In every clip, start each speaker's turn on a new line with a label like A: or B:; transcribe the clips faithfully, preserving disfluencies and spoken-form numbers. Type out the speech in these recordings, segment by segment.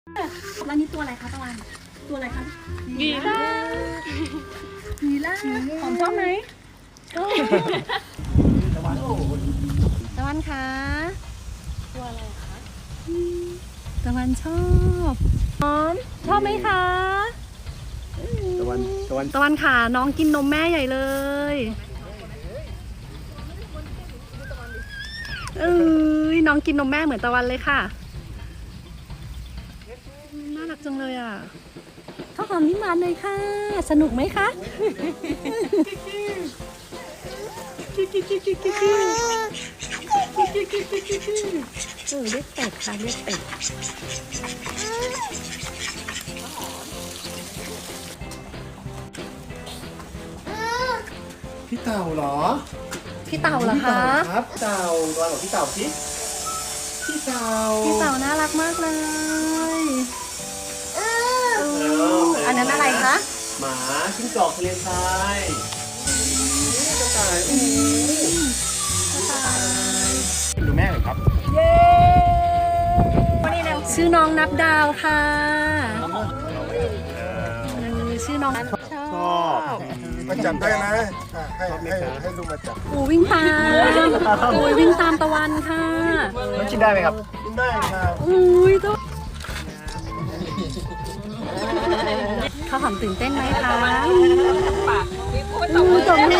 A: แล้วนี่ตัวอะไรคะตะวันตัวอะไรคะ
B: บีล่า
A: มีล่าหอมชอบไหมตะวันตะวันคะตัวอะไรคะตะวันชอบหอมชอบไหมคะ
C: ตะวันตะวัน
A: ตะวันขาน้องกินนมแม่ใหญ่เลย เอ้ยน้องกินนมแม่เหมือนตะวันเลยค่ะน่ารักจังเลยอ่ะข้าวหอมยิ้มหวานเลยค่ะสนุกไหมคะเออเรียกเป็ดค่ะเรียกเป็ด
C: พี่เต่าเหรอ
A: พี่เต่าเหรอคะ
C: ครับเต่าตอนบอกพี่เต่าสิพี่เต่า
A: พี่เต่าน่ารักมากเลยอันนั้นอะไรคะ
C: หมาจิ้งจอกทะเลทรายกระต่ายอู้ดูแม่เลยครับเย้
A: ชื่อน้องนับดาวค่ะชื่อน้องชอบ
D: มาจับได้นะอ่ะให้ให้ให้ลูกมาจับ
A: อูวิ่งตามอูวิ่งตามตะวันค่ะ
C: มันกินได้ไหมครับ
D: ได้ครับ
A: อุ้ยตัวข้าวหอมตื่นเต้นไหมคะอูตรงนี้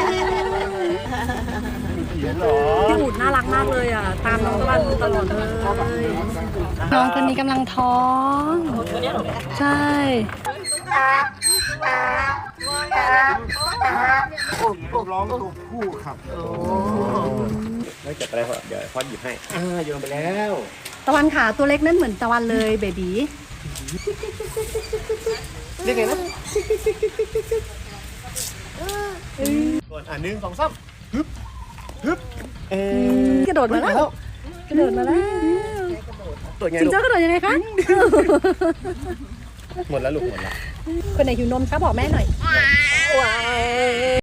C: เห็นเหรอ
A: พี่อูดน่ารักมากเลยอ่ะตามน้องตะวันตลอดเลยน้องคนนี้กำลังท้องใช่
D: ร้องตัวผู้ครับ
C: ไม่จับอะไรเดี๋ยวพ่อหยิบให้อ่าโยนไปแล้ว
A: ตะวันขาตัวเล็กนั่นเหมือนตะวันเลยเบบี
C: เรียกไงนะก่อนอ่าหนึ่งสองสามฮึบฮึบเอ๊ะ
A: กระโดดมาแล้วกระโดดมาแล้ว
C: ตัวไง
A: จิง
C: ลูก
A: โจ้กระโดดยังไงคะ
C: หมดแล้วลูกหมดแล้ว
A: คนไหนหิวนมคะบอกแม่หน่อยว้าย